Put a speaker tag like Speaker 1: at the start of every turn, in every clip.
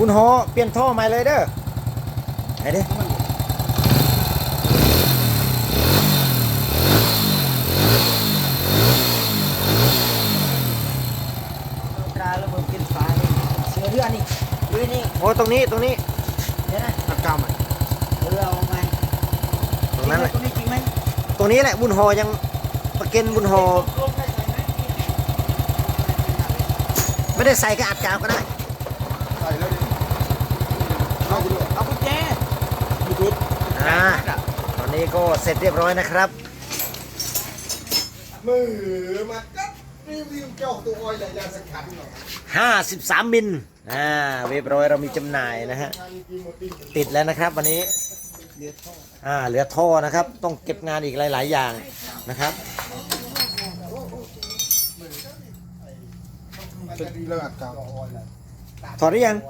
Speaker 1: บุญหอเปลี่ยนท่อใหม่เลยเด้อไหนดิ
Speaker 2: ตราระเบิดกินฟ้าเลยเสือเรือนี่เรือนี่
Speaker 1: โอ้ตรงนี้เ
Speaker 2: เดี๋ยวนะ
Speaker 3: ตัดกรรมอ่ะ
Speaker 2: เรือเอาไง
Speaker 1: ตรงนั้นแหละ
Speaker 2: ตรงนี้จริงไหม
Speaker 1: ตรงนี้แหละบุญหอยังประเก็นบุญหอไม่ได้ใส่กระอัดกาวก็ได้
Speaker 3: ใส่แล้วดิเอาไปเลย
Speaker 2: เอากุญแจ
Speaker 3: ยูทูบ
Speaker 1: ตอนนี้ก็เสร็จเรียบร้อยนะครับ
Speaker 3: มือมาก็รีวิวเจ้าตัวออยใหญ่ยาสักขันหน่อย
Speaker 1: 53 มิลเรียบร้อยเรามีจำหน่ายนะฮะติดแล้วนะครับวันนี้เหลือท่อนะครับต้องเก็บงานอีกหลาย ๆ อย่างนะครับ
Speaker 3: จะดีเลยอัดกรรม
Speaker 1: ถอดหรือยัง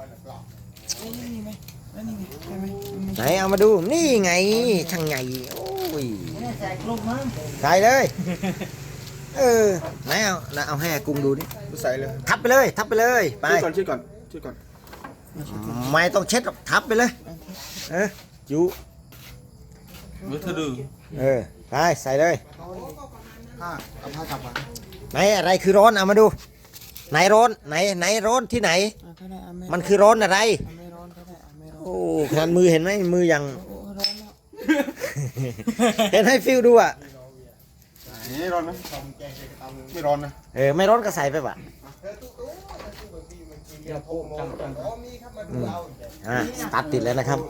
Speaker 1: ไหนเอามาดูนี่ไงช่างใหญ่โอ้ย
Speaker 2: ใส่กลุ่มมั้ง
Speaker 1: ใส่เลย ไหนเอาให้กุ้งดูดิ
Speaker 3: ใส่เลย
Speaker 1: ทับไปเลยทับไปเลยไป
Speaker 3: ช่วยก่อนช่วยก่อน
Speaker 1: ไม่ต้องเช็ดหรอกทับไปเลยจุ
Speaker 3: มือเธอดู
Speaker 1: ไปใส่เลย
Speaker 3: ผ้าเอาผ้าจับมา
Speaker 1: ไหนอะไรคือร้อนเอามาดูไหนร้อนไหนร้อนที่ไหน มันคือร้อนอะไร
Speaker 2: ไม่ร้อนก็ได้ไม่ร้อน
Speaker 1: โอ้ขนาดมือเห็นไหมมือยัง
Speaker 2: โอ้ร้อนแล้ว
Speaker 1: เห็นให้ฟิลดูอ่ะ
Speaker 3: นี่ร้อนไหมไม่ร้อนนะ
Speaker 1: ไม่ร้อนก็ใส่ไปป่ะ
Speaker 2: เดี๋ยวโอ้จัง
Speaker 1: สตาร์ทติดแล้วนะครับ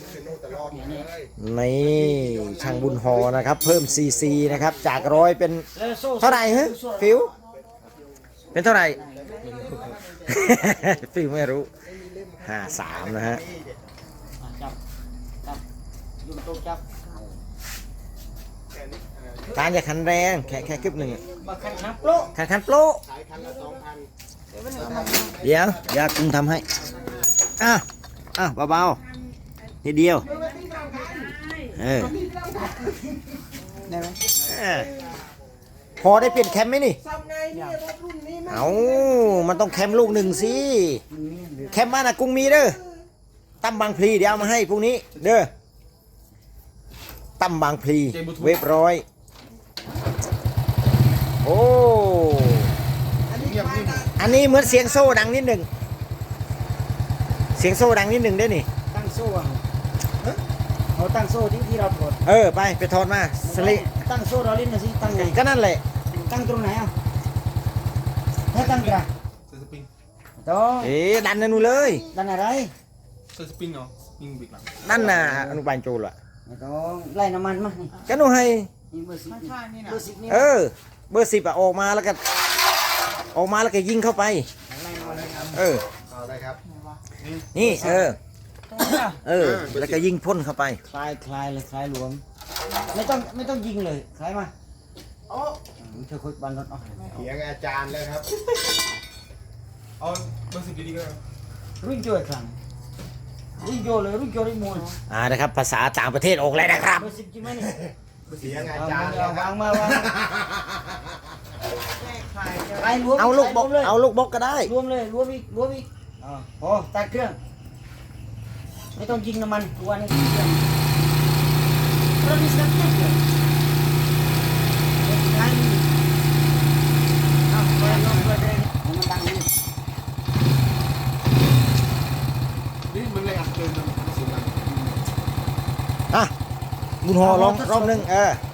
Speaker 1: นี่ช่างบุญหอนะครับ เพิ่มซีซีนะครับจาก100เป็นเท่าไหร่ฮะฟิลเป็นเท่าไหร่ ฟิลไม่รู้53นะฮะ
Speaker 2: จับยุ่งโต๊ะจับ
Speaker 1: การจะขันแรงแค่คลิปหนึ่ง
Speaker 2: มาขันนับโล
Speaker 1: ขันโปรเดี๋ยวอย่ากุ้งทำให้เบาๆนิดเดียว
Speaker 2: ได้ไหม
Speaker 1: พอได้เปลี่ยนแคมไหมนี่เอามันต้องแคมลูกหนึ่งสิแคมบ้านอะกุ้งมีเด้อตั้มบางพลีเดี๋ยวเอามาให้พรุ่งนี้เด้อตั้มบางพลีเว็บร้อยโอ้อันนี้เหมือนเสียงโซ่ดังนิดหนึ่งเสียงโซ่ดังนิดหนึ่งได้นี่
Speaker 2: ตั้งโซ่อะเขาตั้งโซ่ที่เราปลด
Speaker 1: ไปถอดมาสลิ
Speaker 2: ตั้งโซ่เราเล่นนะสิตั้งไง
Speaker 1: ก็นั่นแหละ
Speaker 2: ตั้งตรงไหนอ่ะถ้าตั้งกระ
Speaker 3: ใส่สปริง
Speaker 2: ต้อง
Speaker 1: ดันนั่นนู่นเลย
Speaker 2: ดันอะไร
Speaker 3: ใส่สปริงเหรอยิงบิ๊กหลัง
Speaker 1: นั่นน่ะอนุบาลโจรอ่ะ
Speaker 2: ไม่ต้องไล่น้ำมันมานี่
Speaker 1: ก็นู่นให้
Speaker 2: นี่เบอร์สิบนี่เบอร์สิบนี่
Speaker 1: เบอร์10ออกมาแล้วก็ยิงเข้าไป
Speaker 2: ไล่น้ำมัน
Speaker 3: เอาได้ครับ
Speaker 1: นี่
Speaker 2: ตรงนี้อ่ะ
Speaker 1: แล้วก็ยิงพ่นเข้าไป
Speaker 2: คลายเลยคลายหลวมไม่ต้องยิงเลยคลายมาโอ้เธอคุยบันรถเอา
Speaker 3: เถียงอาจารย์เลยครับเอาเบอร์10ดีๆก็ได้
Speaker 2: รุ่งโจ้ครั้งรุ่งโจ้เลยรุ่งโจ้ได้มวย
Speaker 1: นะครับภาษาต่างประเทศออกเลยนะครับ
Speaker 2: เบอร์สิบจริงไหมนี่
Speaker 3: เถียงอาจารย์เลยครั
Speaker 2: วา
Speaker 3: บ
Speaker 2: งมาวางคลายรวม
Speaker 1: เอาลูกบล็อก
Speaker 2: เลย
Speaker 1: เอาลูกบล็อกก็ได้
Speaker 2: รวมเลยรวมอีกโอ้ตัดเครื่องไม่ต้องยิงน้ำมันตัวนี้เครื่องเรามีสักเครื่องเดียวเปิดลงเปิดเลยมันดังนี่
Speaker 3: นี่มันเลยอัดเกินมันเสียงดัง
Speaker 1: บุญหอลองรอบนึง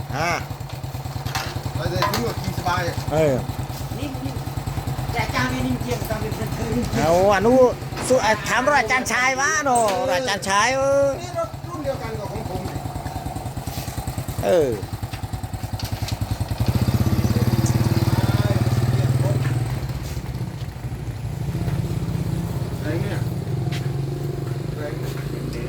Speaker 3: เราจะทิ้งว่าขี่สบาย
Speaker 2: นี่แต่จางนี่เกี่ยวกับเป็นคือ
Speaker 1: เอาอนุสุถามรอาจารย์ชายวะโนอาจารย์ชาย
Speaker 3: นี่รถรุ่นเดียวกันกับของผมเนี่ย อะไรเนี่ยอะไรเนี่ย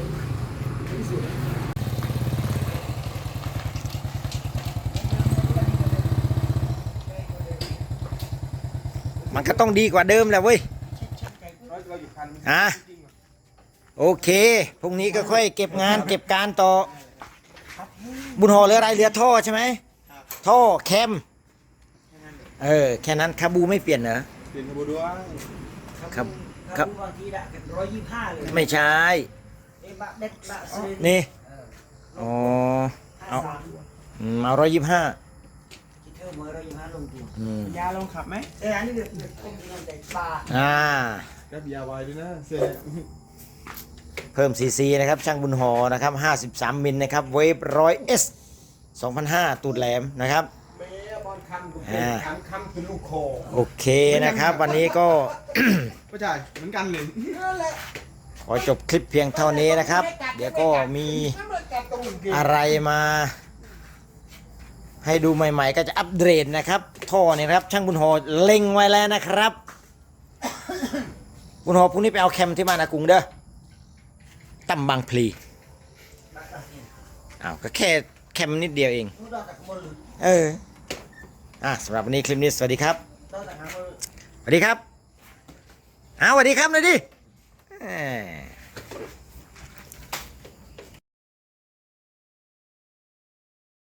Speaker 1: มันก็ต้องดีกว่าเดิมแหละเว้ย
Speaker 3: เราอยู่คัน
Speaker 1: โอเคพรุ่งนี้ก็ค่อยเก็บงานเก็บการต่อ บุญหอเหลืออะไรเหลือท่อใช่ไหมท่อแคมแค่นั้นคาบูไม่เปลี่ยนเหรอ
Speaker 3: เปลี่ยนขบวนด้วย
Speaker 1: ครับ
Speaker 2: ค
Speaker 1: ครับ
Speaker 2: บางทีละ125เลย
Speaker 1: ไม่ใช่
Speaker 2: เอ้บะเด็ดบะซื้อ
Speaker 1: นี่
Speaker 2: เออ
Speaker 1: อ๋อ เอา
Speaker 2: 53
Speaker 1: เอา125
Speaker 2: คิดเธอมือ125ลงตัวย
Speaker 4: าลงขับไหม
Speaker 2: อันนี้เดือดต้มกินน้ำแดงปลา
Speaker 1: อ่า
Speaker 3: กับยาไวด้วยนะเซ่
Speaker 1: เพิ่มซีซีนะครับ ช่างบุญหอนะครับ53 มิลนะครับ เวฟ 100S 2005 ตูดแหลมนะครับ
Speaker 3: แม่บอลคันกูเป็นคันคำคือลูกคอ
Speaker 1: โอเคนะครับ วันนี้ก็
Speaker 3: ก็ใช่เหมือนกันเลย
Speaker 2: นั่นแหละ
Speaker 1: ขอจบคลิปเพียงเท่านี้นะครับ เดี๋ยวก็มีอะไรมา ให้ดูใหม่ๆ ก็จะอัปเดตนะครับ ท่อเนี่ยนะครับ ช่างบุญหอเล็งไว้แล้วนะครับ บุญหอพรุ่งนี้ไปเอาแคมที่มานากุงเด้อตั้มบางพลีอ้าวก็แค่แคมนิดเดียวเอง
Speaker 2: รู้ดอกจากบนหรือ
Speaker 1: สำหรับวันนี้คลิปนี้สวัสดีครับ
Speaker 2: ดอกจากบน
Speaker 1: สวัสดีครับสวัสดีครับหน่อยดิ